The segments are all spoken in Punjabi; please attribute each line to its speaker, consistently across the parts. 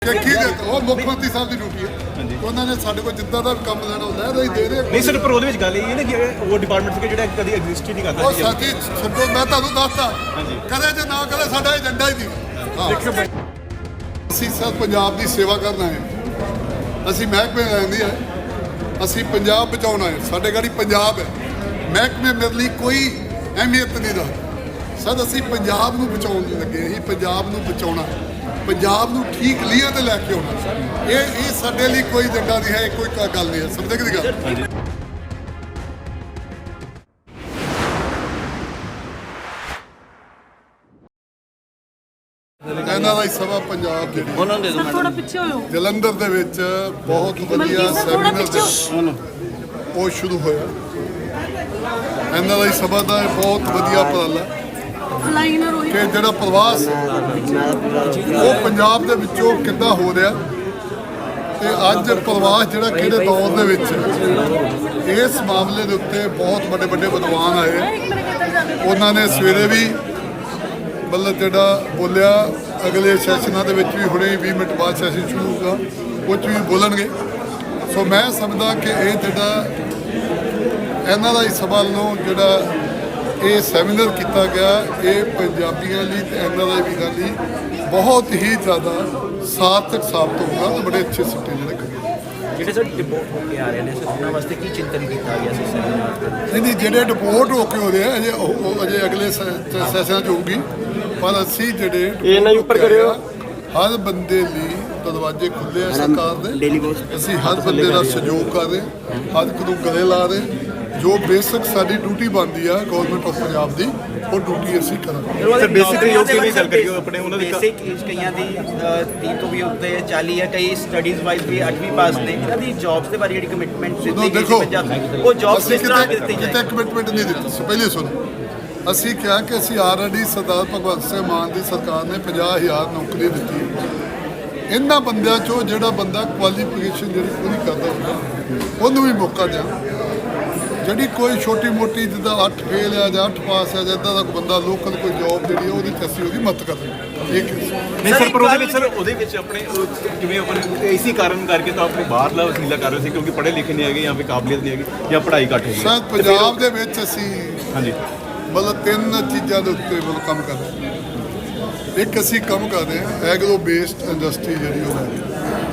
Speaker 1: ਮੁੱਖ ਮੰਤਰੀ ਸਾਹਿਬ ਦੀ ਡਿਊਟੀ ਹੈ। ਉਹਨਾਂ ਨੇ ਸਾਡੇ ਕੋਲ ਜਿੱਦਾਂ ਦਾ ਕੰਮ ਲੈਣਾ ਹੁੰਦਾ ਹੈ ਦੇ ਰਹੇ
Speaker 2: ਨਹੀਂ ਸਰ, ਪਰ ਉਹਦੇ ਵਿੱਚ ਗੱਲ ਇਹ ਹੈ ਨਾ ਕਿ ਉਹ ਡਿਪਾਰਟਮੈਂਟ ਸੀ ਜਿਹੜਾ ਕਦੀ ਐਗਜ਼ਿਸਟ ਹੀ ਨਹੀਂ ਕਰਦਾ।
Speaker 1: ਉਹ ਸਾਥੀ ਛੱਡੋ, ਮੈਂ ਤੁਹਾਨੂੰ ਦੱਸਦਾ ਕਦੇ ਜੇ ਨਾ ਕਦੇ ਸਾਡਾ ਏਜੰਡਾ ਹੀ ਨਹੀਂ। ਅਸੀਂ ਸਭ ਪੰਜਾਬ ਦੀ ਸੇਵਾ ਕਰਨਾ ਹੈ। ਅਸੀਂ ਮਹਿਕਮੇ ਲੈਂਦੀ ਹੈ, ਅਸੀਂ ਪੰਜਾਬ ਬਚਾਉਣਾ ਹੈ। ਸਾਡੇ ਗਾੜੀ ਪੰਜਾਬ ਹੈ, ਮਹਿਕਮੇ ਮੇਰੇ ਲਈ ਕੋਈ ਅਹਿਮੀਅਤ ਨਹੀਂ ਰੱਖਦਾ। ਸਰ ਅਸੀਂ ਪੰਜਾਬ ਨੂੰ ਬਚਾਉਣ ਲੱਗੇ, ਅਸੀਂ ਪੰਜਾਬ ਨੂੰ ਬਚਾਉਣਾ, ਪੰਜਾਬ ਨੂੰ ਠੀਕ ਲੀਹਾਂ ਤੇ ਲੈ ਕੇ ਆਉਣਾ। ਇਹ ਸਾਡੇ ਲਈ ਕੋਈ ਏਜੰਡਾ ਨਹੀਂ ਹੈ, ਕੋਈ ਗੱਲ ਨਹੀਂ ਹੈ। ਸਮਝਦੇ ਕਿ ਗੱਲ ਇਹਨਾਂ ਦਾ ਸਭਾ ਪੰਜਾਬ ਜਿਹੜੀ
Speaker 3: ਉਹਨਾਂ ਦੇ
Speaker 4: ਥੋੜਾ ਪਿੱਛੇ ਹੋਇਓ
Speaker 1: ਜਲੰਧਰ ਦੇ ਵਿੱਚ ਬਹੁਤ ਵਧੀਆ ਸੈਮੀਨਾਰ ਉਹ ਸ਼ੁਰੂ ਹੋਇਆ। ਇਹਨਾਂ ਦਾ ਸਭਾ ਦਾ ਬਹੁਤ ਵਧੀਆ ਉਪਰਾਲਾ ਕਿ ਜਿਹੜਾ ਪ੍ਰਵਾਸ ਉਹ ਪੰਜਾਬ ਦੇ ਵਿੱਚੋਂ ਕਿੱਦਾਂ ਹੋ ਰਿਹਾ ਤੇ ਅੱਜ ਪ੍ਰਵਾਸ ਜਿਹੜਾ ਕਿਹੜੇ ਦੌਰ ਦੇ ਵਿੱਚ ਇਸ ਮਾਮਲੇ ਦੇ ਉੱਤੇ ਬਹੁਤ ਵੱਡੇ ਵੱਡੇ ਵਿਦਵਾਨ ਆਏ। ਉਹਨਾਂ ਨੇ ਸਵੇਰੇ ਵੀ ਮਤਲਬ ਜਿਹੜਾ ਬੋਲਿਆ, ਅਗਲੇ ਸੈਸ਼ਨਾਂ ਦੇ ਵਿੱਚ ਵੀ ਹੁਣੇ 20 ਮਿੰਟ ਬਾਅਦ ਸੈਸ਼ਨ ਸ਼ੁਰੂ ਹੋਊਗਾ, ਉਹ 'ਚ ਵੀ ਬੋਲਣਗੇ। ਸੋ ਮੈਂ ਸਮਝਦਾ ਕਿ ਇਹ ਜਿਹੜਾ ਇਹਨਾਂ ਦਾ ਸਭਾ ਵੱਲੋਂ ਜਿਹੜਾ ਇਹ ਸੈਮੀਨਾਰ ਕੀਤਾ ਗਿਆ, ਇਹ ਪੰਜਾਬੀਆਂ ਲਈ ਤੇ ਇਹਨਾਂ ਦਾ ਵੀ ਗੱਲ ਲਈ ਬਹੁਤ ਹੀ ਜ਼ਿਆਦਾ ਸਾਰਥਕ ਸਾਬਤ ਹੋਊਗਾ ਤੇ ਬੜੇ ਅੱਛੇ ਸਿੱਟੇ
Speaker 3: ਜਿਹੜੇ ਸਰ ਡਿਪੋਰਟ ਹੋ ਕੇ ਆ ਰਹੇ ਨੇ, ਸਰ ਉਹਨਾਂ ਵਾਸਤੇ ਕੀ ਚਿੰਤਨ ਕੀਤਾ ਗਿਆ ਸੀ ਸੈਮੀਨਾਰ?
Speaker 1: ਨਹੀਂ ਜਿਹੜੇ ਡਿਪੋਰਟ ਹੋ ਕੇ ਹੋ ਰਹੇ ਆ ਅਜੇ ਉਹ ਅਜੇ ਅਗਲੇ ਸੈਸ਼ਨਾਂ 'ਚ ਹੋਊਗੀ। ਪਰ ਅਸੀਂ ਜਿਹੜੇ ਇਹਨਾਂ ਉੱਪਰ ਕਰਿਓ, ਹਰ ਬੰਦੇ ਲਈ ਦਰਵਾਜ਼ੇ ਖੁੱਲੇ ਆ ਸਰਕਾਰ ਦੇ। ਅਸੀਂ ਹਰ ਬੰਦੇ ਦਾ ਸਹਿਯੋਗ ਕਰ ਰਹੇ, ਹਰ ਇੱਕ ਨੂੰ ਗਲੇ ਲਾ ਰਹੇ। ਜੋ ਬੇਸਿਕ ਸਾਡੀ ਡਿਊਟੀ ਬਣਦੀ ਆ ਗਵਰਨਮੈਂਟ ਆਫ ਪੰਜਾਬ ਦੀ, ਉਹ ਡਿਊਟੀ ਅਸੀਂ ਕਰਾਂਗੇ।
Speaker 2: ਸਰ ਬੇਸਿਕ ਯੋਗ ਕਿਵੇਂ ਚੱਲ ਰਹੀ ਹੈ ਆਪਣੇ ਉਹਨਾਂ ਦੀ?
Speaker 3: ਬੇਸਿਕ ਕਈਆਂ ਦੀ 30 ਤੋਂ ਵੀ ਉੱਤੇ 40 ਹੈ, ਕਈ ਸਟੱਡੀਜ਼ ਵਾਈਜ਼ ਵੀ 8ਵੀਂ ਪਾਸ ਨੇ। ਇਹਨਾਂ ਦੀ ਜੌਬਸ ਦੇ ਬਾਰੇ ਜਿਹੜੀ ਕਮਿਟਮੈਂਟ ਦਿੱਤੀ ਗਈ ਸੀ ਪੰਜਾਬ, ਉਹ ਜੌਬਸ ਕਿਸ ਤਰ੍ਹਾਂ ਦਿੱਤੀ ਜਾਏ?
Speaker 1: ਕਿਤੇ ਕਮਿਟਮੈਂਟ ਨਹੀਂ ਦਿੱਤੀ। ਪਹਿਲੇ ਸੁਣੋ, ਅਸੀਂ ਕਿਹਾ ਕਿ ਅਸੀਂ ਆਲਰੇਡੀ ਸਰਦਾਰ ਭਗਵੰਤ ਸਿੰਘ ਮਾਨ ਦੀ ਸਰਕਾਰ ਨੇ 50,000 ਨੌਕਰੀ ਦਿੱਤੀ। ਇਹਨਾਂ ਬੰਦਿਆਂ 'ਚੋਂ ਜਿਹੜਾ ਬੰਦਾ ਕੁਆਲੀਫਿਕੇਸ਼ਨ ਜਿਹੜੀ ਪੂਰੀ ਕਰਦਾ ਹੁੰਦਾ ਉਹਨੂੰ ਵੀ ਮੌਕਾ ਦਿਆ। ਜਿਹੜੀ ਕੋਈ ਛੋਟੀ ਮੋਟੀ ਜਿੱਦਾਂ 8 ਫੇਲ ਆ ਜਾਂ 8 ਪਾਸ ਆ ਜਾਂ ਇੱਦਾਂ ਦਾ ਕੋਈ ਬੰਦਾ ਲੋਕਲ ਕੋਈ ਜੌਬ ਜਿਹੜੀ ਉਹਦੀ ਅਸੀਂ ਉਹਦੀ ਮਦਦ ਕਰਦੇ। ਇੱਕ
Speaker 2: ਨਹੀਂ ਸਰ, ਪਰ ਉਹਦੇ ਵਿੱਚ ਆਪਣੇ ਜਿਵੇਂ ਆਪਣੇ ਇਸੇ ਕਾਰਨ ਕਰਕੇ ਤਾਂ ਆਪਣੇ ਬਾਹਰਲਾ ਵਸੀਲਾ ਕਰ ਰਹੇ ਸੀ ਕਿਉਂਕਿ ਪੜ੍ਹੇ ਲਿਖੇ ਨਹੀਂ ਹੈਗੇ ਜਾਂ ਫਿਰ ਕਾਬਲੀਅਤ ਨਹੀਂ ਹੈਗੀ ਜਾਂ ਪੜ੍ਹਾਈ ਘੱਟ ਹੈਗੀ।
Speaker 1: ਸਰ ਪੰਜਾਬ ਦੇ ਵਿੱਚ ਅਸੀਂ
Speaker 2: ਹਾਂਜੀ
Speaker 1: ਮਤਲਬ 3 ਚੀਜ਼ਾਂ ਦੇ ਉੱਤੇ ਮਤਲਬ ਕੰਮ ਕਰ ਰਹੇ ਹਾਂ। ਇੱਕ ਅਸੀਂ ਕੰਮ ਕਰ ਰਹੇ ਹਾਂ ਐਗਰੋ ਬੇਸਡ ਇੰਡਸਟਰੀ ਜਿਹੜੀ ਉਹ ਹੈ।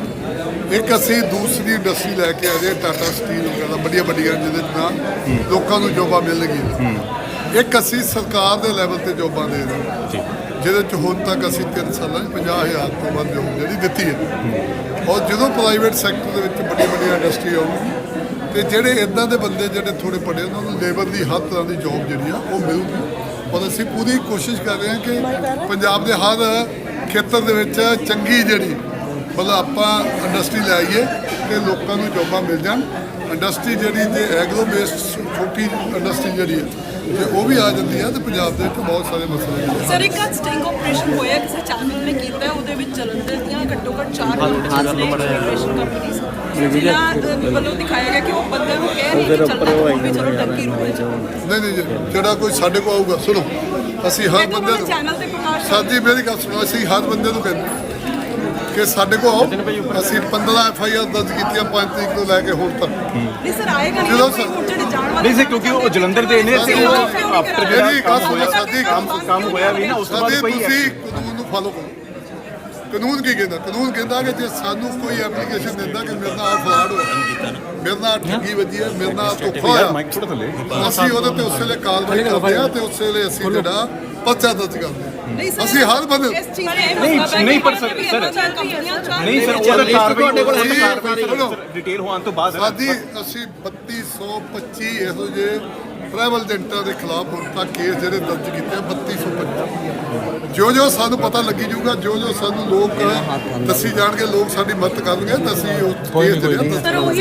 Speaker 1: ਇੱਕ ਅਸੀਂ ਦੂਸਰੀ ਇੰਡਸਟਰੀ ਲੈ ਕੇ ਆ ਰਹੇ ਟਾਟਾ ਸਟੀਲ ਵਗੈਰਾ ਵੱਡੀਆਂ ਜਿਹਦੇ ਨਾਲ ਲੋਕਾਂ ਨੂੰ ਜੋਬਾਂ ਮਿਲਣਗੀਆਂ। ਇੱਕ ਅਸੀਂ ਸਰਕਾਰ ਦੇ ਲੈਵਲ ਤੇ ਜੋਬਾਂ ਦੇ ਰਹੇ ਜਿਹਦੇ 'ਚ ਹੁਣ ਤੱਕ ਅਸੀਂ 3 ਸਾਲਾਂ 'ਚ 50,000 ਤੋਂ ਵੱਧ ਜੋਬ ਜਿਹੜੀ ਦਿੱਤੀ ਹੈ। ਔਰ ਜਦੋਂ ਪ੍ਰਾਈਵੇਟ ਸੈਕਟਰ ਦੇ ਵਿੱਚ ਵੱਡੀਆਂ ਇੰਡਸਟਰੀ ਆਉਗੀ ਤੇ ਜਿਹੜੇ ਇੱਦਾਂ ਦੇ ਬੰਦੇ ਜਿਹੜੇ ਥੋੜ੍ਹੇ ਪੜ੍ਹੇ ਉਹਨਾਂ ਨੂੰ ਲੇਬਰ ਦੀ ਹਰ ਤਰ੍ਹਾਂ ਦੀ ਜੋਬ ਜਿਹੜੀ ਆ ਉਹ ਮਿਲੂਗੀ। ਔਰ ਅਸੀਂ ਪੂਰੀ ਕੋਸ਼ਿਸ਼ ਕਰ ਰਹੇ ਹਾਂ ਕਿ ਪੰਜਾਬ ਦੇ ਹਰ ਖੇਤਰ ਦੇ ਵਿੱਚ ਚੰਗੀ ਜਿਹੜੀ ਮਤਲਬ ਆਪਾਂ ਇੰਡਸਟਰੀ ਲੈ ਆਈਏ ਕਿ ਲੋਕਾਂ ਨੂੰ ਜੋਬਾਂ ਮਿਲ ਜਾਣ। ਇੰਡਸਟਰੀ ਜਿਹੜੀ ਜੇ ਐਗਰੋ ਬੇਸਡ ਛੋਟੀ ਇੰਡਸਟਰੀ ਜਿਹੜੀ ਹੈ ਜੇ ਉਹ ਵੀ ਆ ਜਾਂਦੀ ਹੈ ਤਾਂ ਪੰਜਾਬ ਦੇ ਵਿੱਚ ਬਹੁਤ ਸਾਰੇ ਮਸਲੇ ਨੇ।
Speaker 4: ਸਰ ਇੱਕ ਸਟਿੰਗ ਆਪਰੇਸ਼ਨ ਹੋਇਆ ਕਿਸੇ ਚੈਨਲ ਨੇ ਕੀਤਾ, ਉਹਦੇ ਵਿੱਚ ਜਲੰਧਰ ਦੀਆਂ ਘੱਟੋ ਘੱਟ 4 ਇਮੀਗ੍ਰੇਸ਼ਨ ਕੰਪਨੀਆਂ ਜਿਹਨਾਂ ਵੱਲੋਂ ਦਿਖਾਇਆ ਗਿਆ ਕਿ ਉਹ ਬੰਦੇ ਨੂੰ ਕਹਿ ਰਹੀ ਕਿ ਚਲੋ ਟਰਕੀ ਰੁਕੇ ਜਾਓ।
Speaker 1: ਨਹੀਂ ਜਿਹੜਾ ਕੋਈ ਸਾਡੇ ਕੋਲ ਆਊਗਾ, ਸੁਣੋ ਅਸੀਂ ਹਰ ਬੰਦੇ ਨੂੰ
Speaker 4: ਚੈਨਲ ਤੇ ਪ੍ਰਕਾਸ਼
Speaker 1: ਸਾਡੀ ਮੇਰੀ ਗੱਲ ਸੁਣੋ, ਅਸੀਂ ਹਰ ਬੰਦੇ ਨੂੰ ਕਹਿੰਦੇ ਕਿ ਸਾਡੇ ਕੋਲ ਆਓ। ਅਸੀਂ 15 FIR ਦਰਜ ਕੀਤੀਆਂ 5 ਤਰੀਕ ਤੋਂ ਲੈ ਕੇ ਹੁਣ ਤੱਕ।
Speaker 4: ਨਹੀਂ ਸਰ ਆਏਗਾ ਨਹੀਂ ਜਿਹੜੇ ਜਾਣ ਵਾਲੇ
Speaker 2: ਨਹੀਂ ਸਰ, ਕਿਉਂਕਿ ਉਹ ਜਲੰਧਰ ਦੇ ਨੇ ਤੇ ਉਹ ਆਫਟਰ ਜਿਹੜਾ ਕੰਮ ਹੋਇਆ ਵੀ ਨਾ ਉਸ ਤੋਂ ਬਾਅਦ ਕੋਈ
Speaker 1: ਤੁਸੀਂ ਕਾਨੂੰਨ ਨੂੰ ਫਾਲੋ ਕਰੋ। ਕਾਨੂੰਨ ਕੀ ਕਹਿੰਦਾ? ਕਾਨੂੰਨ ਕਹਿੰਦਾ ਕਿ ਜੇ ਸਾਨੂੰ ਕੋਈ ਐਪਲੀਕੇਸ਼ਨ ਦਿੰਦਾ ਕਿ ਮੇਰੇ ਨਾਲ ਫਰਾਡ ਹੋਇਆ, ਮੇਰੇ ਨਾਲ ਠੱਗੀ ਵੱਜੀ ਹੈ, ਮੇਰੇ ਨਾਲ ਧੋਖਾ ਹੋਇਆ, ਅਸੀਂ ਉਹਦੇ ਤੇ ਉਸ ਵੇਲੇ ਕਾਰਵਾਈ ਕਰਦੇ ਹਾਂ ਤੇ ਉਸ ਵੇਲੇ ਅਸੀਂ ਜਿਹੜਾ ਪਰਚਾ ਦਰਜ ਕਰਦੇ ਹਾਂ। ਅਸੀਂ ਹਰ ਬੰਦੇ
Speaker 2: ਨਹੀਂ ਪਰ ਸਰ ਨਹੀਂ ਸਰ ਉਹਦਾ ਕਾਰਵਾਈ ਡਿਟੇਲ ਹੋਣ ਤੋਂ ਬਾਅਦ
Speaker 1: ਸਾਡੀ ਅਸੀਂ 3225 ਇਹੋ ਜਿਹੇ ਟਰੈਵਲ ਏਜੰਟਾਂ ਦੇ ਖਿਲਾਫ ਹੁਣ ਤੱਕ ਕੇਸ ਜਿਹੜੇ ਦਰਜ ਕੀਤੇ 3225। ਜੋ ਸਾਨੂੰ ਪਤਾ ਲੱਗੀ ਜਾਊਗਾ, ਜੋ ਸਾਨੂੰ ਲੋਕ ਦੱਸੀ ਜਾਣਗੇ, ਲੋਕ ਸਾਡੀ ਮਦਦ ਕਰਨਗੇ ਤਾਂ ਅਸੀਂ ਉਹ ਕੇਸ ਜਿਹੜੇ
Speaker 4: ਸਰ ਉਹੀ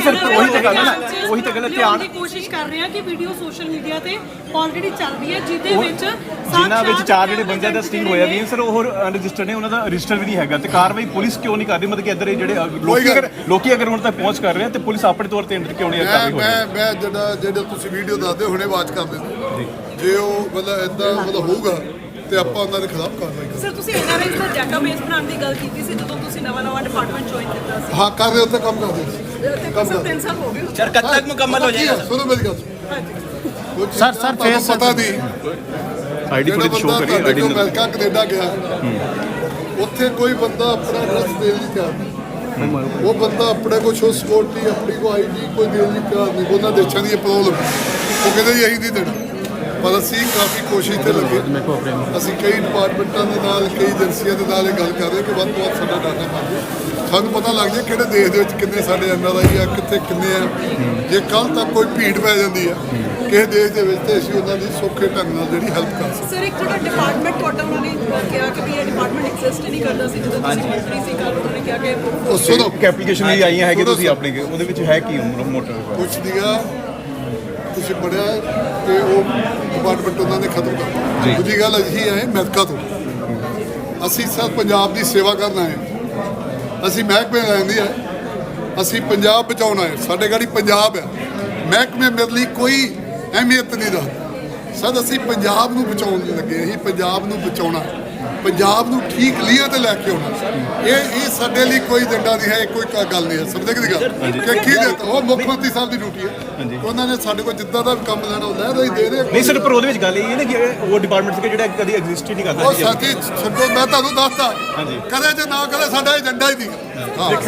Speaker 2: ਤਾਂ ਗੱਲ ਧਿਆਨ
Speaker 4: ਦੀ ਕੋਸ਼ਿਸ਼ ਕਰ ਰਹੇ ਹਾਂ ਕਿ ਵੀਡੀਓ ਸੋਸ਼ਲ ਮੀਡੀਆ ਤੇ ਆਲਰੇਡੀ ਚੱਲ ਰਹੀ ਹੈ ਜਿਹਦੇ ਵਿੱਚ
Speaker 2: ਜਿਨ੍ਹਾਂ ਵਿੱਚ 4 ਜਿਹੜੇ ਬੰਦਿਆਂ ਦਾ ਸਟਿੰਗ ਹੋਇਆ ਵੀ ਸਰ ਉਹ ਰਜਿਸਟਰ ਨੇ, ਉਹਨਾਂ ਦਾ ਰਜਿਸਟਰ ਵੀ ਨਹੀਂ ਹੈਗਾ ਤੇ ਕਾਰਵਾਈ ਪੁਲਿਸ ਕਿਉਂ ਨਹੀਂ ਕਰਦੀ? ਮਤਲਬ ਕਿ ਇੱਧਰ ਜਿਹੜੇ ਲੋਕੀ ਅਗਰ ਹੁਣ ਤੱਕ ਪਹੁੰਚ ਕਰ ਰਹੇ ਆ ਤੇ ਪੁਲਿਸ ਆਪਣੇ ਤੌਰ ਤੇ ਕਿਉਂ ਨਹੀਂ ਕਰ ਰਹੀ?
Speaker 1: ਮੈਂ ਜਿਹੜਾ ਤੁਸੀਂ ਵੀਡੀਓ ਦੱਸਦੇ ਹੁਣੇ ਆਵਾਜ਼ ਕਰ ਦਿੰਦੇ ਜੇ ਉਹ ਮਤਲਬ ਇਦਾਂ ਮਤਲਬ ਹੋਊਗਾ ਤੇ ਆਪਾਂ ਉਹਨਾਂ ਦੇ ਖਿਲਾਫ ਕਾਰਵਾਈ ਕਰਾਂਗੇ।
Speaker 4: ਸਰ ਤੁਸੀਂ ਐਨਆਰਆਈ ਦਾ ਡਾਟਾਬੇਸ ਬਣਾਉਣ ਦੀ ਗੱਲ ਕੀਤੀ ਸੀ ਜਦੋਂ ਤੁਸੀਂ ਨਵਾਂ ਡਿਪਾਰਟਮੈਂਟ ਜੁਆਇਨ ਕੀਤਾ ਸੀ
Speaker 1: ਹਾਂ ਕਰ ਰਹੇ ਉੱਤੇ ਕੰਮ ਕਰਦੇ ਸੀ।
Speaker 4: ਤੇ ਸਰ 3 ਸਾਲ ਹੋ ਗਏ
Speaker 3: ਸਰ ਕਦ ਤੱਕ ਮੁਕੰਮਲ ਹੋ ਜਾਏਗਾ
Speaker 1: ਸੁਣੋ ਮੇਰੀ ਗੱਲ
Speaker 5: ਸਰ,
Speaker 1: ਤੁਹਾਨੂੰ ਪਤਾ ਨਹੀਂ
Speaker 2: ਆਈਡੀ
Speaker 1: ਜਿਹੜਾ
Speaker 2: ਫੁਟੇਜ ਸ਼ੋ
Speaker 1: ਬੰਦਾ
Speaker 2: ਕਰੀ
Speaker 1: ਤੁਹਾਡੇ
Speaker 2: ਆਈਡੀ
Speaker 1: ਕੋਲ ਅਮਰੀਕਾ ਕੈਨੇਡਾ ਗਿਆ ਉੱਥੇ ਕੋਈ ਬੰਦਾ ਆਪਣਾ ਐਡਰੈਸ ਦੇਣ ਲਈ ਤਿਆਰ ਨਹੀਂ। ਉਹ ਬੰਦਾ ਆਪਣੇ ਕੋਲ ਸ਼ੋ ਸਿਕਿਉਰਿਟੀ ਆਪਣੀ ਕੋ ਆਈਡੀ ਕੋਈ ਦੇਣ ਲਈ ਤਿਆਰ ਨਹੀਂ। ਉਹਨਾਂ ਦੇਸ਼ਾਂ ਦੀ ਇਹ ਪ੍ਰੋਬਲਮ ਉਹ ਕਹਿੰਦੇ ਜੀ ਅਸੀਂ ਨਹੀਂ ਦੇਣਾ। ਪਰ ਅਸੀਂ ਕਾਫੀ ਕੋਸ਼ਿਸ਼ ਤੇ ਲੱਗੇ। ਅਸੀਂ ਕਈ ਡਿਪਾਰਟਮੈਂਟਾਂ ਦੇ ਨਾਲ ਕਈ ਏਜੰਸੀਆਂ ਦੇ ਨਾਲ ਇਹ ਗੱਲ ਕਰ ਰਹੇ ਕਿ ਵੱਧ ਤੋਂ ਵੱਧ ਸਾਡਾ ਡਾਟਾ ਪਾ ਦਿਓ। ਸਾਨੂੰ ਪਤਾ ਲੱਗ ਜਾਏ ਕਿਹੜੇ ਦੇਸ਼ ਦੇ ਵਿੱਚ ਕਿੰਨੇ ਸਾਡੇ ਐਨਆਰਆਈ ਆ ਕਿੱਥੇ ਕਿੰਨੇ ਆ। ਜੇ ਕੱਲ ਤੱਕ ਕੋਈ ਭੀੜ ਪੈ ਜਾਂਦੀ ਆ ਕਿਸੇ ਦੇਸ਼ ਦੇ ਵਿੱਚ ਤੇ ਅਸੀਂ ਉਹਨਾਂ ਦੀ ਸੌਖੇ ਢੰਗ ਨਾਲ ਜਿਹੜੀ ਹੈਲਪ ਕਰ ਸਕਦੇ।
Speaker 4: ਸਰ ਇੱਕ ਜਿਹੜਾ ਡਿਪਾਰਟਮੈਂਟ ਤੁਹਾਡਾ ਉਹਨਾਂ ਨੇ ਕਿਹਾ ਕਿ ਵੀ ਇਹ ਡਿਪਾਰਟਮੈਂਟ ਐਗਜ਼ਿਸਟ ਹੀ ਨਹੀਂ ਕਰਦਾ ਸੀ ਜਦੋਂ ਤੁਸੀਂ ਮੰਤਰੀ ਸੀ ਕੱਲ ਉਹਨਾਂ ਨੇ ਕਿਹਾ ਕਿ
Speaker 1: ਉਹ ਸੁਣੋ
Speaker 2: ਇੱਕ ਐਪਲੀਕੇਸ਼ਨ ਵੀ ਆਈਆਂ ਹੈਗੇ ਤੁਸੀਂ ਆਪਣੇ ਉਹਦੇ ਵਿੱਚ ਹੈ ਕੀ ਮੋਟਰ
Speaker 1: ਕੁਛ ਨੀਗਾ ਤੁਸੀਂ ਪੜਿਆ ਤੇ ਉਹ ਡਿਪਾਰਟਮੈਂਟ ਉਹਨਾਂ ਨੇ ਖਤਮ ਕਰ ਦਿੱਤਾ। ਦੂਜੀ ਗੱਲ ਅਸੀਂ ਆਏ ਅਮਰੀਕਾ ਤੋਂ। ਅਸੀਂ ਸਿਰਫ ਪੰਜਾਬ ਦੀ ਸੇਵਾ ਕਰਨ ਆਏ। ਅਸੀਂ ਮਹਿਕਮੇ ਲੈਂਦੀ ਆ ਅਸੀਂ ਪੰਜਾਬ ਬਚਾਉਣਾ ਹੈ। ਸਾਡੇ ਗਾੜੀ ਪੰਜਾਬ ਆ ਮਹਿਕਮੇ ਮੇਰੇ ਲਈ ਕੋਈ ਅਹਿਮੀਅਤ ਨਹੀਂ ਰੱਖਦਾ। ਸਰ ਅਸੀਂ ਪੰਜਾਬ ਨੂੰ ਬਚਾਉਣ ਲੱਗੇ। ਅਸੀਂ ਪੰਜਾਬ ਨੂੰ ਬਚਾਉਣਾ ਪੰਜਾਬ ਨੂੰ ਠੀਕ ਲੀਏ ਤੇ ਲੈ ਕੇ ਆਉਣਾ। ਇਹ ਸਾਡੇ ਲਈ ਕੋਈ ਏਜੰਡਾ ਨਹੀਂ ਹੈ। ਇਹ ਕੋਈ ਗੱਲ ਨਹੀਂ ਹੈ। ਸਮਝਦੇ ਕਿ ਗੱਲ ਕਿ ਕੀ ਦਿੱਤਾ ਉਹ ਮੁੱਖ ਮੰਤਰੀ ਸਾਹਿਬ ਦੀ ਡਿਊਟੀ ਹੈ। ਉਹਨਾਂ ਨੇ ਸਾਡੇ ਕੋਲ ਜਿੱਦਾਂ ਦਾ ਵੀ ਕੰਮ ਲੈਣਾ ਉਹ ਲੈ ਰਹੇ ਦੇ ਰਹੇ।
Speaker 2: ਨਹੀਂ ਸਰ ਪਰ ਉਹਦੇ ਵਿੱਚ ਗੱਲ ਇਹ ਹੈ ਨਾ ਕਿ ਉਹ ਡਿਪਾਰਟਮੈਂਟ ਸੀ ਜਿਹੜਾ ਕਦੀ ਐਗਜ਼ਿਸਟ ਹੀ ਨਹੀਂ ਕਰਦਾ
Speaker 1: ਉਹ ਸਾਥੀ ਛੱਡੋ ਮੈਂ ਤੁਹਾਨੂੰ ਦੱਸਦਾ ਕਦੇ ਜੇ ਨਾ ਕਦੇ ਸਾਡਾ ਏਜੰਡਾ ਹੀ ਨਹੀਂ। ਹਾਂ